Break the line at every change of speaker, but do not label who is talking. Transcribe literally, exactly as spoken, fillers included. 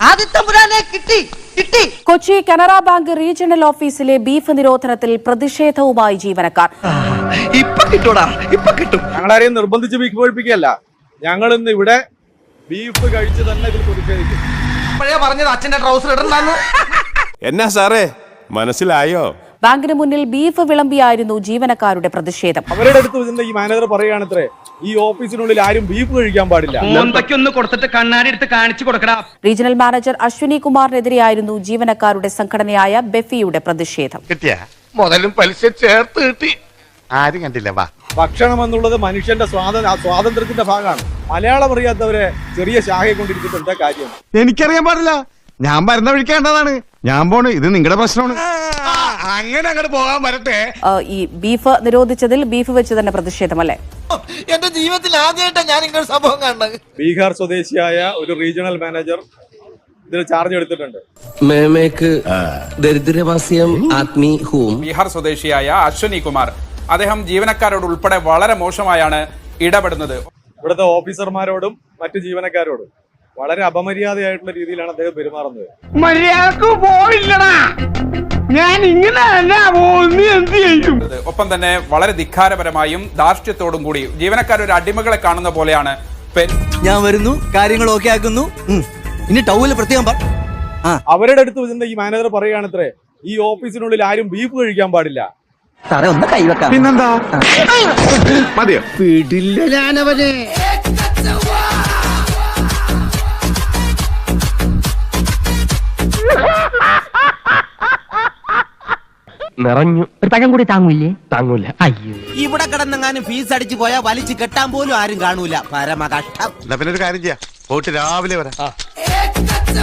Kochi Canara bank regional ഓഫീസിലെ beef നിരോധനത്തിൽ പ്രതിഷേധവുമായി ജീവനക്കാർ.
ഞങ്ങളാരെയും നിർബന്ധിച്ച് ബീഫ് കഴിപ്പിക്കുകയല്ല, ഞങ്ങൾ ഇന്ന് ഇവിടെ ബീഫ് കഴിച്ച് തന്നെ ഇതിൽ പ്രതിഷേധിക്കും.
എന്നാ സാറേ മനസ്സിലായോ?
ബാങ്കിന് മുന്നിൽ ബീഫ് വിളമ്പിയായിരുന്നു ജീവനക്കാരുടെ പ്രതിഷേധം.
അവരുടെ അടുത്ത് ഇതിന്റെ ഈ മാനേജർ പറയുകയാണത്രേ, ഈ ഓഫീസിനുള്ളിൽ ആരും ബീഫ് കഴിക്കാൻ പാടില്ല.
റീജിയണൽ മാനേജർ അശ്വിനി കുമാറിനെതിരെയായിരുന്നു ജീവനക്കാരുടെ സംഘടനയായ ബെഫിയുടെ പ്രതിഷേധം.
മുതലും പലിശ ചേർത്ത് കിട്ടി, ആരും കണ്ടില്ല. വാ,
ഭക്ഷണം എന്നുള്ളത് മനുഷ്യന്റെ സ്വാതന്ത്ര്യ സ്വാതന്ത്ര്യത്തിന്റെ ഭാഗമാണ്. മലയാളം അറിയാത്തവരെ ചെറിയ ശാഖയെ കൊണ്ടിരിക്കുന്നത് എന്താ കാര്യം?
എനിക്കറിയാൻ പാടില്ല, ഞാൻ വരുന്ന വിളിക്കേണ്ടതാണ്. ഞാൻ പോണ്, ഇത് നിങ്ങളുടെ പ്രശ്നമാണ്. അങ്ങനെ അങ്ങോട്ട് പോകാൻ വരട്ടെ.
ഈ ബീഫ് നിരോധിച്ചതിൽ ബീഫ് വെച്ച് തന്നെ പ്രതിഷേധമല്ലേ?
എന്റെ ജീവിതത്തിൽ ആദ്യമായിട്ടാണ് ഞാൻ ഇങ്ങനെ സംഭവം കാണുന്നത്.
ബീഹാർ സ്വദേശിയായ ഒരു റീജിയണൽ മാനേജർ ഇതിൽ ചാർജ് എടുത്തിട്ടുണ്ട്.
ബീഹാർ സ്വദേശിയായ അശ്വനി കുമാർ, അദ്ദേഹം ജീവനക്കാരോട് ഉൾപ്പെടെ വളരെ മോശമായാണ് ഇടപെടുന്നത്.
ഇവിടുത്തെ ഓഫീസർമാരോടും മറ്റു ജീവനക്കാരോടും വളരെ അപമര്യാദയായിട്ടുള്ള രീതിയിലാണ് അദ്ദേഹം പെരുമാറുന്നത്.
ഒപ്പം തന്നെ വളരെ ധിക്കാരപരമായും ധാർഷ്ട്യത്തോടും കൂടി ജീവനക്കാർ ഒരു അടിമകളെ കാണുന്ന പോലെയാണ്.
ഞാൻ വരുന്നു, കാര്യങ്ങൾ ഓക്കെ ആക്കുന്നു, ഇനി ടൗവിൽ പ്രത്യേകം.
അവരുടെ അടുത്ത് ഇതിന്റെ ഈ മാനേജർ പറയുകയാണത്രേ, ഈ ഓഫീസിനുള്ളിൽ ആരും ബീഫ് കഴിക്കാൻ പാടില്ല.
സാറേ ഒന്ന് കൈവെക്കാം.
പിന്നെന്താ മതിയോ? പിടില്ല ഞാനവനെ.
നിറഞ്ഞു. ഒരു പഴം കൂടി താങ്ങൂല്ലേ? താങ്ങൂല. അയ്യോ,
ഇവിടെ കിടന്നെങ്ങാനും ഫീസ് അടിച്ചു പോയാൽ വലിച്ചു കെട്ടാൻ പോലും ആരും കാണൂല. പരമ കഷ്ടം.
പിന്നെ ഒരു കാര്യം ചെയ്യാം, പോയിട്ട് രാവിലെ വരാം.